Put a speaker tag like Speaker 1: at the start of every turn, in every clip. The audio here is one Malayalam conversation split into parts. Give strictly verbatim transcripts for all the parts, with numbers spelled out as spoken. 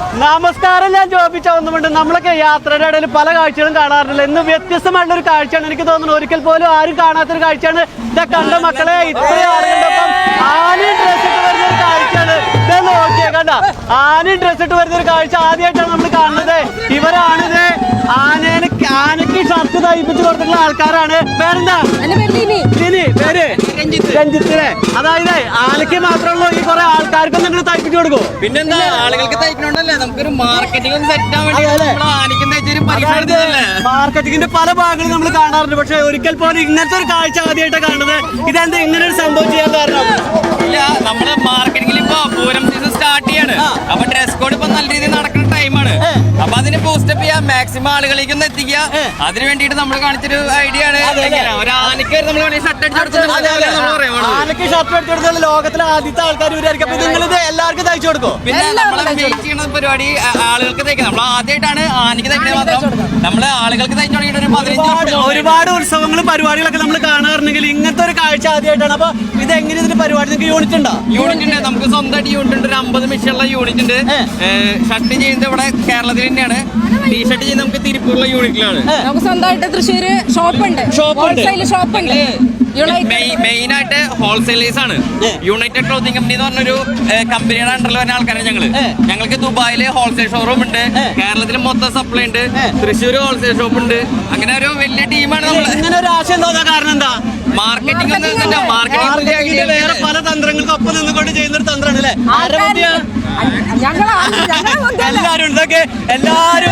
Speaker 1: നമസ്കാരം, ഞാൻ ജോബി ചൗന്നുമുണ്ട്. നമ്മളൊക്കെ യാത്രയുടെ ഇടയിൽ പല കാഴ്ചകളും കാണാറുണ്ടല്ലോ. ഇന്ന് വ്യത്യസ്തമായിട്ടുള്ള ഒരു കാഴ്ചയാണ് എനിക്ക് തോന്നുന്നു. ഒരിക്കൽ പോലും ആരും കാണാത്തൊരു കാഴ്ചയാണ്. ഇതാ കണ്ട മക്കളെ, ഇത്രയും ആളുകളുടെപ്പം ആനയും ഡ്രസ് ഇട്ട് വരുന്ന ഒരു കാഴ്ചയാണ്. ഇതേ നോക്കിയേ, കണ്ട ആനയും ഡ്രസ് ഇട്ട് വരുന്ന ഒരു കാഴ്ച ആദ്യമായിട്ടാണ് നമ്മൾ കാണുന്നത്. ഇവരാണിത് ആനേനെ ആനയ്ക്ക് ഷർട്ട് തയ്പ്പിച്ച് കൊടുത്തിട്ടുള്ള ആൾക്കാരാണ്. പേരെന്താ? പേര് രഞ്ജിത്തിനെ. അതായത് ആനയ്ക്ക് മാത്രമുള്ള ഈ കുറെ ആൾക്കാർക്കും നിങ്ങൾ തയ്പ്പിച്ചു കൊടുക്കും.
Speaker 2: പിന്നെന്താ, ആളുകൾക്ക് തയ്ക്കണോണ്ടല്ലേ നമുക്കൊരു മാർക്കറ്റിംഗ് സെറ്റ് വേണ്ടി
Speaker 1: മാർക്കറ്റിംഗിന്റെ പല ഭാഗങ്ങളും നമ്മൾ കാണാറുണ്ട്. പക്ഷെ ഒരിക്കൽ പോലും ഇങ്ങനത്തെ ഒരു കാഴ്ച ആദ്യമായിട്ട് കാണുന്നത്. ഇതെന്താ ഇങ്ങനെ ഒരു സംഭവം ചെയ്യാൻ കാരണം?
Speaker 2: ഇല്ല, നമ്മള് മാർക്കറ്റിംഗിൽ ഇപ്പൊ പൂരം സീസൺ സ്റ്റാർട്ട് ചെയ്യാണ്. അപ്പൊ ഡ്രസ് കോഡ് ഇപ്പൊ നല്ല രീതിയിൽ നടക്കുന്ന ടൈമാണ്. അപ്പൊ അതിന് ബൂസ്റ്റപ്പ് ചെയ്യാൻ മാക്സിമം ആളുകളിലേക്ക് ഒന്ന് എത്തിക്കുക. അതിന് വേണ്ടിട്ട് നമ്മൾ കാണിച്ചൊരു ഐഡിയ ആണ്. ഒരു ആനയ്ക്ക് നമ്മൾ ഷർട്ട് അടിച്ചു
Speaker 1: ആനയ്ക്ക് ഷർട്ട് അടിച്ചു കൊടുത്താൽ ലോകത്തിലെ ആദ്യത്തെ ആൾക്കാർ ഇവരായിരിക്കും. അപ്പൊ നിങ്ങൾ ഇത് എല്ലാവർക്കും തയ്ച്ചു കൊടുക്കും.
Speaker 2: പിന്നെ നമ്മളെ വെയിറ്റ് ചെയ്യുന്ന പരിപാടി ആളുകൾക്ക് തയ്ക്കാം. നമ്മൾ ആദ്യമായിട്ടാണ് ആനയ്ക്ക് തയ്ക്കണേ മാത്രം. നമ്മള് ആളുകൾക്ക് തയ്ച്ചു തുടങ്ങിയിട്ട് ഒരു പതിനഞ്ച്
Speaker 1: ഒരുപാട് ഉത്സവങ്ങളും പരിപാടികളൊക്കെ നമ്മൾ കാണാറുണ്ടെങ്കിൽ ഇങ്ങനത്തെ ഒരു കാഴ്ച ആദ്യമായിട്ടാണ്. അപ്പൊ ഇത് എങ്ങനെ ഇതിന്റെ പരിപാടി നിങ്ങൾക്ക് യൂണിറ്റ് ഉണ്ടോ?
Speaker 2: യൂണിറ്റ് ഉണ്ട്, നമുക്ക് സ്വന്തമായിട്ട് യൂണിറ്റ് ഉണ്ട്. ഒരു അമ്പത് മിഷനുള്ള യൂണിറ്റ് ഉണ്ട്. ഷർട്ട് ചെയ്യുന്നത് ഇവിടെ കേരളത്തിൽ തന്നെയാണ്. ടീഷർട്ട് ചെയ്യുന്നത് നമുക്ക് തിരുപ്പൂരുള്ള യൂണിറ്റിലാണ്.
Speaker 3: നമുക്ക് സ്വന്തമായിട്ട് തൃശ്ശൂര് ഷോപ്പുണ്ട്, ഹോൾസെയിൽ ഷോപ്പുണ്ട്.
Speaker 2: മെയിൻ ആയിട്ട് ഹോൾസെയിലേഴ്സ് ആണ്. യുണൈറ്റഡ് ക്ലോത്തിങ് കമ്പനി എന്ന് പറഞ്ഞൊരു കമ്പനിയുടെ അണ്ടറിൽ വരുന്ന ആൾക്കാരാണ് ഞങ്ങള്. ഞങ്ങൾക്ക് ദുബായില് ഹോൾസെയിൽ ഷോറൂം ഉണ്ട്, കേരളത്തിൽ മൊത്തം സപ്ലൈ ഉണ്ട്, തൃശ്ശൂർ ഹോൾസെയിൽ ഷോപ്പ് ഉണ്ട്. അങ്ങനെ ഒരു വലിയ ടീമാണ് നമ്മള്.
Speaker 1: ഇങ്ങനെ ഒരു ആശയം തോന്നാൻ കാരണം എന്താ?
Speaker 2: മാർക്കറ്റിംഗ്
Speaker 1: മാർക്കറ്റിംഗ് വേറെ പല തന്ത്രങ്ങൾക്ക് ഒപ്പം നിന്നുകൊണ്ട് ചെയ്യുന്ന ഒരു തന്ത്രമാണ് അല്ലേ? എല്ലാരും ഇതൊക്കെ എല്ലാരും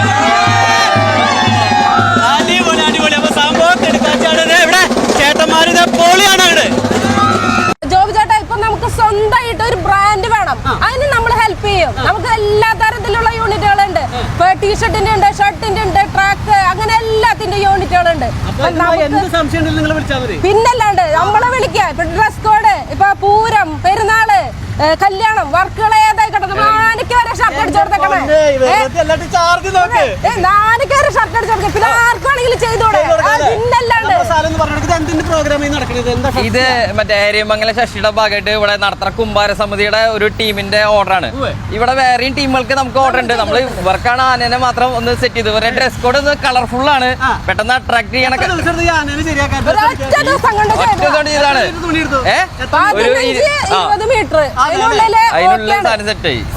Speaker 1: അടിപൊളി അടിപൊളി. അപ്പൊ സംഭവം എടുക്കാച്ചാണ് ഇവിടെ ചേട്ടന്മാര് ഇത് പൊളിയാണ്. അവിടെ
Speaker 3: ജോബി ചേട്ടാ, ഇപ്പൊ നമുക്ക് സ്വന്തമായിട്ട് ഒരു ബ്രാൻഡ് വേണം. അതിന് നമ്മൾ ഹെൽപ്പ് ചെയ്യും. നമുക്ക് എല്ലാ തരത്തിലുള്ള യൂണിറ്റുകളുണ്ട്. ഇപ്പൊ ടീഷർട്ടിന്റെ ഉണ്ട്, ഷർട്ടിന്റെ ഉണ്ട്, ട്രാക്ക്, അങ്ങനെ എല്ലാത്തിന്റെ യൂണിറ്റുകളുണ്ട്. പിന്നല്ലാണ്ട് നമ്മളെ വിളിക്കാം. ഇപ്പൊ ഡ്രസ് കോഡ്, ഇപ്പൊ പൂരം, പെരുന്നാള്, കല്യാണം, വർക്കുകൾ ഏതായിക്കോട്ടെ, നമ്മൾ ആനയ്ക്ക് വരെ ഷർട്ട് അടിച്ചു കൊടുത്തേക്കണേ. ആനയ്ക്ക് വരെ ഷർട്ട് അടിച്ചു കൊടുക്കാം. പിന്നെ ആർക്ക് വേണമെങ്കിലും ചെയ്തോടെ. പിന്നല്ലാണ്ട്
Speaker 2: ഇത് മറ്റേ ഏരിയമംഗലം ശശിയുടെ ഭാഗമായിട്ട് ഇവിടെ നടത്തുന്ന കുമ്പാര സമിതിയുടെ ഒരു ടീമിന്റെ ഓർഡറാണ്. ഇവിടെ വേറെയും ടീമുകൾക്ക് നമുക്ക് ഓർഡർ ഉണ്ട്. നമ്മൾ ഇവർക്കാണ് ആനനെ മാത്രം ഒന്ന് സെറ്റ് ചെയ്ത്. ഇവരുടെ ഡ്രസ് കോഡ് ഒന്ന് കളർഫുൾ ആണ്, പെട്ടെന്ന് അട്രാക്ട് ചെയ്യണ ചെയ്താണ്. അതിനുള്ള സാധനം സെറ്റ് ആയി.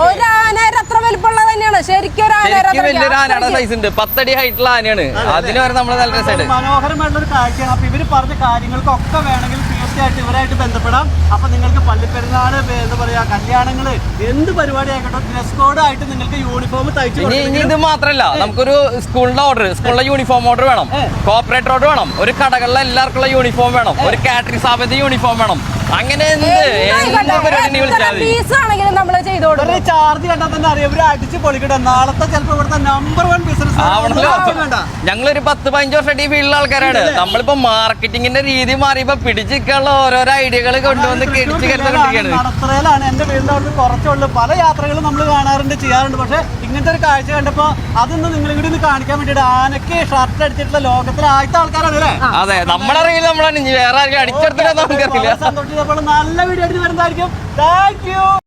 Speaker 2: വലിയൊരു ആനയുടെ സൈസ് ഉണ്ട്, പത്തടി ഹൈറ്റുള്ള ആനയാണ്. അതിന് വരെ നമ്മൾ നല്ല രസമായിട്ട്
Speaker 1: മനോഹരമായിട്ടുള്ള ഒരു കാഴ്ചയാണ്. അപ്പൊ ഇവര് പറഞ്ഞ കാര്യങ്ങൾക്കൊക്കെ വേണമെങ്കിൽ തീർച്ചയായിട്ടും ഇവരായിട്ട് ബന്ധപ്പെടാം. അപ്പൊ നിങ്ങൾക്ക് പള്ളിപ്പെരുന്നാള്, എന്താ പറയാ, കല്യാണങ്ങള്, എന്ത് പരിപാടി ആയിക്കോട്ടെ, ഡ്രസ് കോഡ് ആയിട്ട് നിങ്ങൾക്ക് യൂണിഫോം തയ്ച്ചു.
Speaker 2: ഇനി ഇത് മാത്രല്ല, നമുക്കൊരു സ്കൂളിന്റെ ഓർഡർ, സ്കൂളിലെ യൂണിഫോം ഓർഡർ വേണം, കോർപ്പറേറ്റ് ഓർഡർ വേണം, ഒരു കടകളിലെ എല്ലാവർക്കുള്ള യൂണിഫോം വേണം, ഒരു കാറ്ററിംഗ് സ്ഥാപനത്തിന്റെ യൂണിഫോം വേണം. അങ്ങനെ ചാർജ് കണ്ടാൽ തന്നെ അറിയാം ഇവര് അടിച്ച് പൊളിക്കട്ടെ. നാളത്തെ ചിലപ്പോ ഇവിടുത്തെ നമ്പർ വൺ ബിസിനസ് ഞങ്ങളൊരു പത്ത് പതിനഞ്ച് വർഷമായിട്ട് ഈ ഫീൽഡിലെ ആൾക്കാരാണ്. നമ്മളിപ്പോ മാർക്കറ്റിംഗിന്റെ രീതി മാറിയപ്പോ പിടിച്ചിട്ടുള്ള ഓരോരോ ഐഡിയകൾ കൊണ്ടുവന്ന് കിടിച്ച് കരുത്തുകൊണ്ടിരിക്കുകയാണ്.
Speaker 1: നടത്തറയിലാണ് എന്റെ വീടിന്റെ അവിടുന്ന് കുറച്ചുള്ളൂ. പല യാത്രകളും നമ്മൾ കാണാറുണ്ട്, ചെയ്യാറുണ്ട്. പക്ഷെ ഇങ്ങനത്തെ ഒരു കാഴ്ച കണ്ടപ്പോ അതൊന്നും നിങ്ങളും കൂടി ഒന്ന് കാണിക്കാൻ വേണ്ടിട്ട് ആനയ്ക്ക് ഷർട്ട് അടിച്ചിട്ടുള്ള ലോകത്തിലെ ആദ്യത്തെ ആൾക്കാരാണ് അല്ലേ?
Speaker 2: അതെ, നമ്മളറിയില്ല, നമ്മളാണ് വേറെ ആർക്കും അടിച്ചെടുത്തില്ല. നമുക്കറിയില്ല.
Speaker 1: സന്തോഷിച്ചപ്പോൾ നല്ല വീഡിയോ ആയിട്ട് വരുന്നതായിരിക്കും. Thank U.